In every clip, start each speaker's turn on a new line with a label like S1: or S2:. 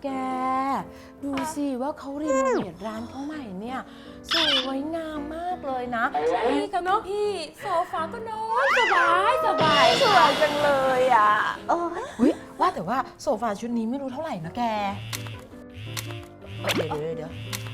S1: แกดูสิว่าเขารีโนเวทร้านเขาใหม่เนี่ยสวยงามมากเลยนะ
S2: นี่กับน้องพี่โซฟาก็นอนสบาย
S1: สวยจังเลยอ่ะว่าแต่ว่าโซฟาชุดนี้ไม่รู้เท่าไหร่นะแกเดี๋ยว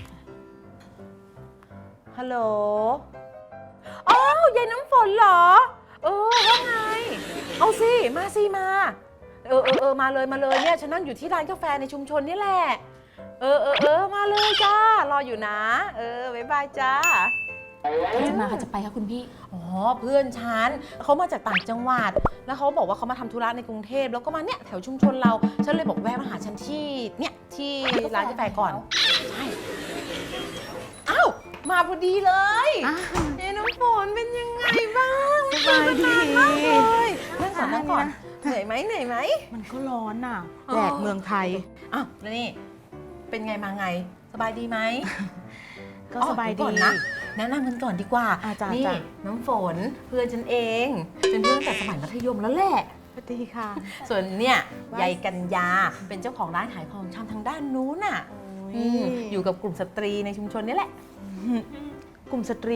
S1: ฮัลโหลอ้าวยายน้ำฝนเหรอว่าไงเอาสิมามาเลยเนี่ยฉันนั่งอยู่ที่ร้านกาแฟในชุมชนนี่แหละมาเลยจ้ารออยู่นะบ๊ายบายจ้า
S2: ใครจะมาใครจะไปคะคุณพี่
S1: อ๋อเพื่อนฉันเขามาจากต่างจังหวัดแล้วเขาบอกว่าเขามาทำธุระในกรุงเทพแล้วก็มาเนี่ยแถวชุมชนเราฉันเลยบอกแวะมาหาฉันที่เนี่ยที่ร้านกาแฟก่อนใช่อ้าวมาพอดีเลยน้ำฝนเป็นยังไงบ้าง
S3: สบายดี
S1: มากเลยนั่งก่อนเหนื่อยไหม
S3: มันก็ร้อนน่ะแดดเมืองไทย
S1: อ้าวแล้วนี่เป็นไงมาไงสบายดีไหม
S3: ก็สบายดี
S1: นะแนะนำกันก่อนดีกว่านี่น้ำฝนเพื่อนฉันเองเป็นเพื่อนตั้งแต่สมัยมัธยมแล้วแหละ
S3: สวัสดีค่ะ
S1: ส่วนเนี่ยยายกัญญาเป็นเจ้าของร้านขายของชำทางด้านนู้นน่ะอยู่กับกลุ่มสตรีในชุมชนนี่แหละ
S3: กลุ่มสตรี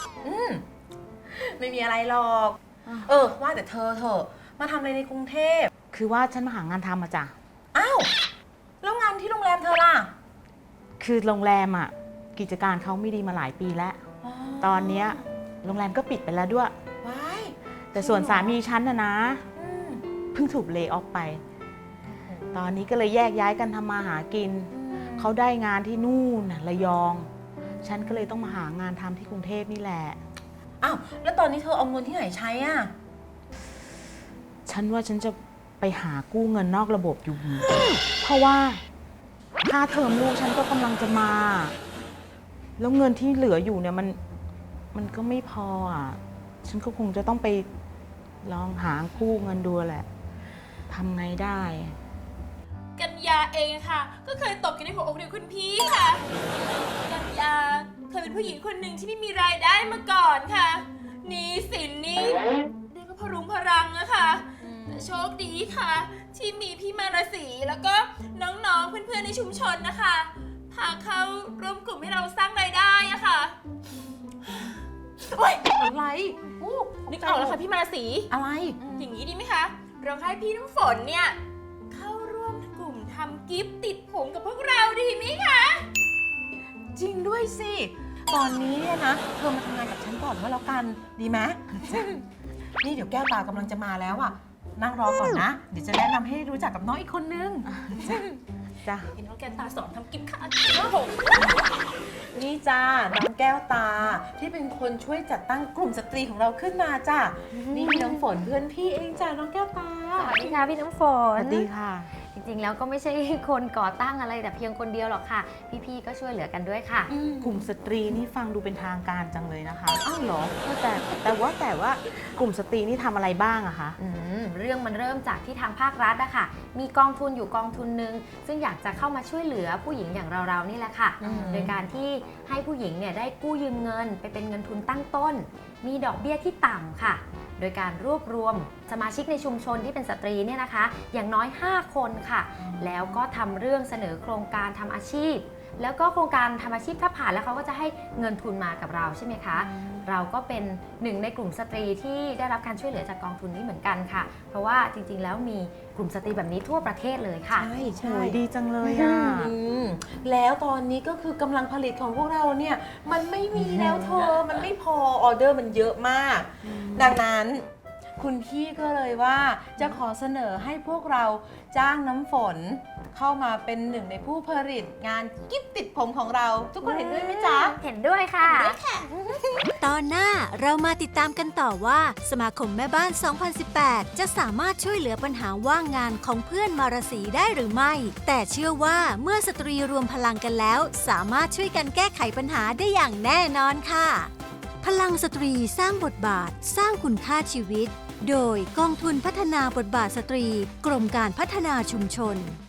S1: ไม่มีอะไรหรอกว่าแต่เธอมาทำอะไรในกรุงเทพ
S3: คือว่าฉันมาหางานทำมาจ้ะ
S1: อ้าวแล้วงานที่โรงแรมเธอล่ะ
S3: คือโรงแรมอ่ะกิจการเขาไม่ดีมาหลายปีแล้วตอนนี้โรงแรมก็ปิดไปแล้วด้วยแต่ส่วนสามีฉันนะเพิ่งถูกเลย์ออฟไปตอนนี้ก็เลยแยกย้ายกันทำมาหากินเขาได้งานที่นู่นระยองฉันก็เลยต้องมาหางานทำที่กรุงเทพนี่แหละ
S1: อ้าวแล้วตอนนี้เธอเอาเงินที่ไหนใช้อ่ะ
S3: ฉันว่าฉันจะไปหากู้เงินนอกระบบอยู่เพราะว่าค่าเทอมลูกฉันก็กำลังจะมาแล้วเงินที่เหลืออยู่เนี่ยมันก็ไม่พออ่ะฉันก็คงจะต้องไปลองหากู้เงินดูแหละทำไงได้
S2: กัญญาเองค่ะก็เคยตกอยู่ในหัวอกเดียวคุณพี่ค่ะกัญญาเคยเป็นผู้หญิงคนหนึ่งที่ไม่มีรายได้มาก่อนค่ะหนี้สินนี่เรียกว่าพรุงพรังอะค่ะแต่โชคดีค่ะที่มีพี่มาราศีแล้วก็น้องๆเพื่อนๆในชุมชนนะคะพาเข้าร่วมกลุ่มให้เราสร้างรายได้อะค่ะ
S1: โอ๊ยอะไร
S2: นึกออกแล้วค่ะพี่มาราศี
S1: อะไร
S2: อย่างนี้ดีไหมคะเราให้พี่น้ำฝนเนี่ยเข้าร่วมกลุ่มทำกิฟต์ติดผมกับพวกเราดีไหมคะ
S1: จริงด้วยสิตอนนี้เนี่ยนะเธอมาทำงานกับฉันก่อนก็แล้วกันดีไหมนี่เดี๋ยวแก้วตากำลังจะมาแล้วอ่ะนั่งรอก่อนนะเดี๋ยวจะแนะนำให้รู้จักกับน้องอีกคนนึง
S3: จ้ะ
S2: น้องแก้วตาสอนทำกิฟต์ค่ะ
S1: นี่จ้าน้องแก้วตาที่เป็นคนช่วยจัดตั้งกลุ่มสตรีของเราขึ้นมาจ้ะนี่มีน้ำฝนเพื่อนพี่เองจ้ะน้องแก้วตา
S4: สวัสดีค่ะพี่น้ำฝน
S3: สวัสดีค่ะ
S4: จริงๆแล้วก็ไม่ใช่คนก่อตั้งอะไรแต่เพียงคนเดียวหรอกค่ะพี่ๆก็ช่วยเหลือกันด้วยค่ะ
S3: กลุ่มสตรีนี่ฟังดูเป็นทางการจังเลยนะคะ
S1: อ้าวเหรอ
S3: แต่ว่ากลุ่มสตรีนี่ทำอะไรบ้างอะคะ
S4: เรื่องมันเริ่มจากที่ทางภาครัฐอะค่ะมีกองทุนอยู่กองทุนหนึ่งซึ่งอยากจะเข้ามาช่วยเหลือผู้หญิงอย่างเราๆนี่แหละค่ะโดยการที่ให้ผู้หญิงเนี่ยได้กู้ยืมเงินไปเป็นเงินทุนตั้งต้นมีดอกเบี้ยที่ต่ำค่ะโดยการรวบรวมสมาชิกในชุมชนที่เป็นสตรีเนี่ยนะคะอย่างน้อย5คนค่ะแล้วก็ทำเรื่องเสนอโครงการทำอาชีพแล้วก็โครงการทำอาชีพถ้าผ่านแล้วเขาก็จะให้เงินทุนมากับเราใช่ไหมคะเราก็เป็นหนึ่งในกลุ่มสตรีที่ได้รับการช่วยเหลือจากกองทุนนี้เหมือนกันค่ะเพราะว่าจริงๆแล้วมีกลุ่มสตรีแบบนี้ทั่วประเทศเลยค่ะ
S3: ใช่ดีจังเลยอ่ะ
S1: แล้วตอนนี้ก็คือกำลังผลิตของพวกเราเนี่ยมันไม่มีแล้วเธอมันไม่พอออเดอร์มันเยอะมากดังนั้นคุณพี่ก็เลยว่าจะขอเสนอให้พวกเราจ้างน้ำฝนเข้ามาเป็นหนึ่งในผู้ผลิตงานกิฟต์ติดผมของเราทุกคนเห็นด้วยไหมจ๊ะ
S4: เห็นด้วยค่ะ
S5: ตอนหน้าเรามาติดตามกันต่อว่าสมาคมแม่บ้าน 2018 จะสามารถช่วยเหลือปัญหาว่างงานของเพื่อนมาราศีได้หรือไม่ แต่เชื่อว่าเมื่อสตรีรวมพลังกันแล้วสามารถช่วยกันแก้ไขปัญหาได้อย่างแน่นอนค่ะพลังสตรีสร้างบทบาทสร้างคุณค่าชีวิตโดยกองทุนพัฒนาบทบาทสตรีกรมการพัฒนาชุมชน